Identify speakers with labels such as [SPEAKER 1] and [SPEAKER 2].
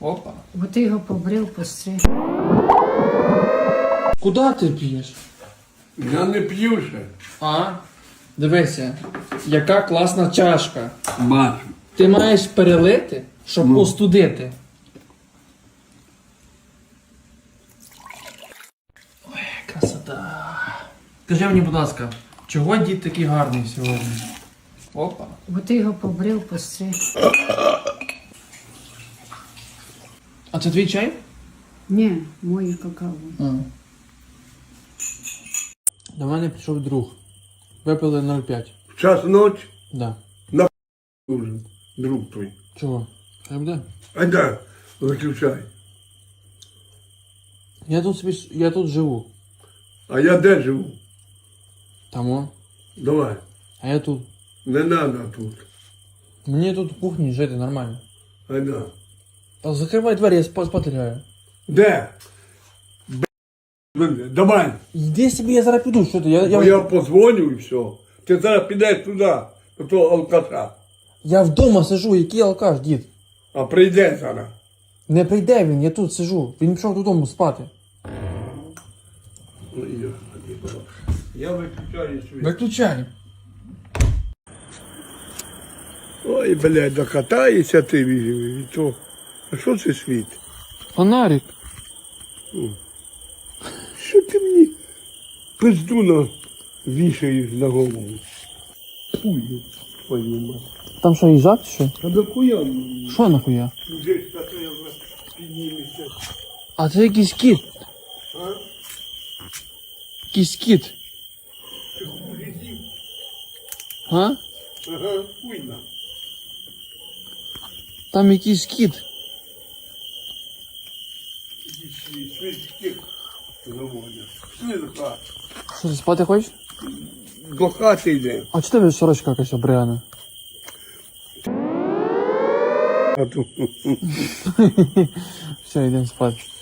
[SPEAKER 1] Опа.
[SPEAKER 2] Бо ти його побрив, постриг.
[SPEAKER 1] Куди ти п'єш?
[SPEAKER 3] Я не п'ю ще.
[SPEAKER 1] А? Дивися, яка класна чашка.
[SPEAKER 3] Бачу.
[SPEAKER 1] Ти маєш перелити, щоб остудити. Ой, красота. Скажи мені, будь ласка, чого дід такий гарний сьогодні? Опа.
[SPEAKER 2] Бо ти його побрив, постриг.
[SPEAKER 1] А це твій чай?
[SPEAKER 2] Ні, моє какао.
[SPEAKER 1] До мене прийшов друг. Випили 0,5.
[SPEAKER 3] В час ночі
[SPEAKER 1] Да.
[SPEAKER 3] уже, друг твій.
[SPEAKER 1] Чого? Хай буде?
[SPEAKER 3] А да, виключай.
[SPEAKER 1] Я тут живу.
[SPEAKER 3] А я де живу?
[SPEAKER 1] Там о.
[SPEAKER 3] Давай.
[SPEAKER 1] А я тут.
[SPEAKER 3] Не надо тут.
[SPEAKER 1] Мені тут в кухні жити нормально.
[SPEAKER 3] А да.
[SPEAKER 1] Та закривай двері, я спати лягаю.
[SPEAKER 3] Де? Давай.
[SPEAKER 1] Йди собі, я зараз піду, що ти?
[SPEAKER 3] Я позвоню і все. Ти зараз підеш туди, до того алкаша.
[SPEAKER 1] Я вдома сижу, який алкаш, дід.
[SPEAKER 3] А прийде зараз.
[SPEAKER 1] Не прийде він, я тут сижу. Він пішов додому спати.
[SPEAKER 3] Я виключаю світ.
[SPEAKER 1] Виключай.
[SPEAKER 3] Ой, блядь, докатаєшся ти і то. А що це світ?
[SPEAKER 1] Фонарик.
[SPEAKER 3] Що ти мені пизду вішаєш на голову? Пую твою мать.
[SPEAKER 1] Там що, їжак чи що?
[SPEAKER 3] А до хуя?
[SPEAKER 1] Що нахуя?
[SPEAKER 3] Десь таке піднімешся.
[SPEAKER 1] А це якийсь кіт.
[SPEAKER 3] А?
[SPEAKER 1] Якийсь кіт.
[SPEAKER 3] Ти хуй з'їв?
[SPEAKER 1] А?
[SPEAKER 3] Ага, хуйна.
[SPEAKER 1] Там якийсь кіт.
[SPEAKER 3] Світ заводять. Пішли до хати.
[SPEAKER 1] Що, ти спати хочеш?
[SPEAKER 3] До хати йде.
[SPEAKER 1] А чи тебе сорочка якась обряна?
[SPEAKER 3] А тут
[SPEAKER 1] Все, йдемо спати.